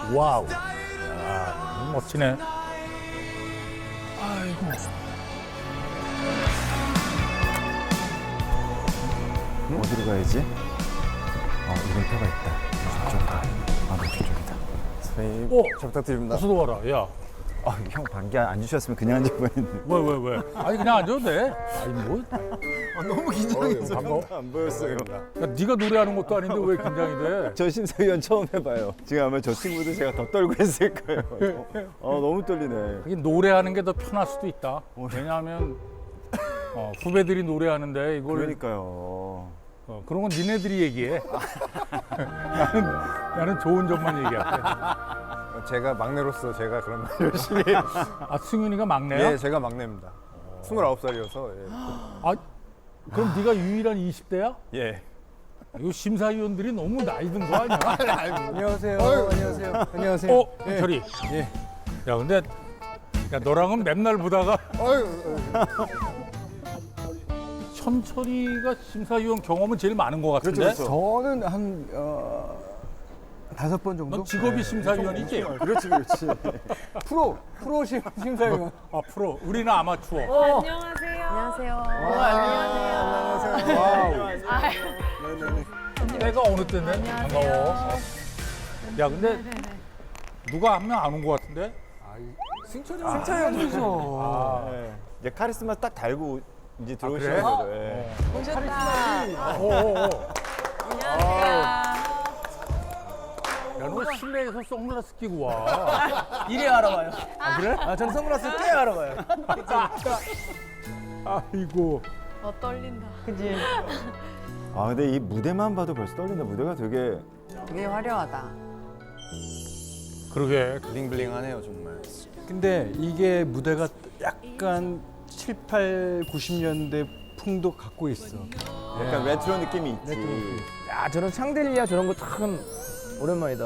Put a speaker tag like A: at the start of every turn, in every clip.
A: 와우. 야, 너무 멋지네. 아이고.
B: 어디로 가야지? 이름표가 있다. 저쪽이다. 네, 저쪽이다. 선생님,
A: 오!
B: 잘 부탁드립니다.
A: 어서 와라. 야.
B: 형 반기 안 주셨으면 그냥 앉을 뻔했는데.
A: 왜? 아니 그냥 앉아도 돼. 아니 뭐?
B: 너무 긴장해서
A: 반가워.
B: 안 보였어요.
A: 야, 네가 노래하는 것도 아닌데 왜 긴장이 돼?
B: 저 심사위원 처음 해봐요. 지금 아마 저 친구들 제가 더 떨고 있을 거예요. 너무 떨리네.
A: 하긴 노래하는 게 더 편할 수도 있다. 왜냐하면 후배들이 노래하는데 이걸
B: 그러니까요.
A: 그런 건 니네들이 얘기해. 나는 좋은 점만 얘기할게.
C: 제가 막내로서 제가 그런 말 열심히.
A: 아 승윤이가 막내야?
C: 예, 제가 막내입니다. 29살이어서. 예.
A: 아 그럼 네가 유일한 20대야?
C: 예.
A: 이거 심사위원들이 너무 나이 든 거 아니야?
C: 안녕하세요. 안녕하세요. 안녕하세요.
A: 철이. 예. 야 근데 야 너랑은 맨날 보다가 현철이가 심사위원 경험은 제일 많은 것 같은데?
B: 그렇죠.
C: 저는 한 5번 정도?
A: 넌 직업이 심사위원이지?
B: 그렇지.
C: 프로 심사위원.
A: 아 프로. 우리는 아마추어.
D: 안녕하세요. 안녕하세요.
A: 때가 어느 때인데? 반가워. 야 근데 누가 한 명 안 온 것 같은데?
C: 승철이
A: 아,
B: 이제 카리스마 딱 달고 이제
A: 그래?
B: 들어오시는 거죠. 예.
D: 오셨다.
A: 야, 너 실내에서 선글라스 끼고 와.
E: 이래 알아봐요.
A: 아, 그래?
E: 저는 선글라스 꽤 알아봐요.
A: 아이고.
D: 떨린다.
E: 그지?
B: 근데 이 무대만 봐도 벌써 떨린다. 무대가 되게
D: 되게 화려하다.
A: 그러게.
C: 블링블링하네요 정말.
F: 근데 이게 무대가 약간 7, 8, 90년대 풍도 갖고 있어.
B: 약간 레트로 느낌이 있지.
E: 야, 저런 샹들리아 저런 거 참 오랜만이다.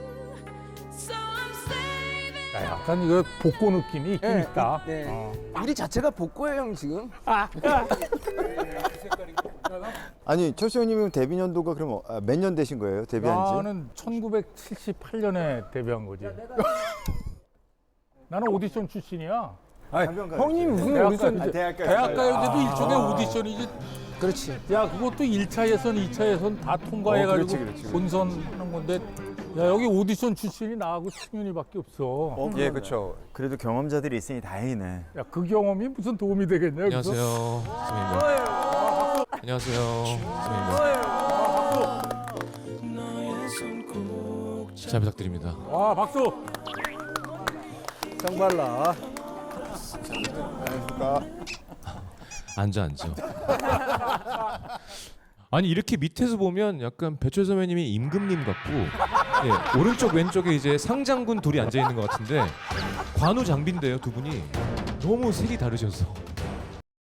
A: 야, 약간 이거 복고 느낌이 있긴
E: 네,
A: 있다.
E: 네.
A: 어.
E: 우리 자체가 복고예요, 형 지금.
B: 아니 철수 형님은 데뷔 연도가 그럼 몇 년 되신 거예요? 데뷔한 지?
A: 나는 1978년에 데뷔한 거지. 나는 오디션 출신이야.
E: 형님 무슨
A: 대학가,
E: 오디션?
A: 대학가요제도 일종의 오디션이지.
E: 그렇지.
A: 야, 그것도 1차 예선, 2차 예선 다 통과해가지고
B: 그렇지.
A: 본선하는 건데, 야, 여기 오디션 출신이 나하고 승윤이밖에 없어.
C: 예, 그렇죠.
B: 그래도 경험자들이 있으니 다행이네.
A: 야, 그 경험이 무슨 도움이 되겠냐? 여기서?
G: 안녕하세요. 선생님입니다. 안녕하세요. 선생님입니다. 잘 부탁드립니다.
A: 와, 박수!
E: 정발라.
G: 앉아. 아니 이렇게 밑에서 보면 약간 배철 선배님이 임금님 같고 예, 오른쪽 왼쪽에 이제 상장군 둘이 앉아 있는 것 같은데 관우 장비인데요 두 분이 너무 색이 다르셔서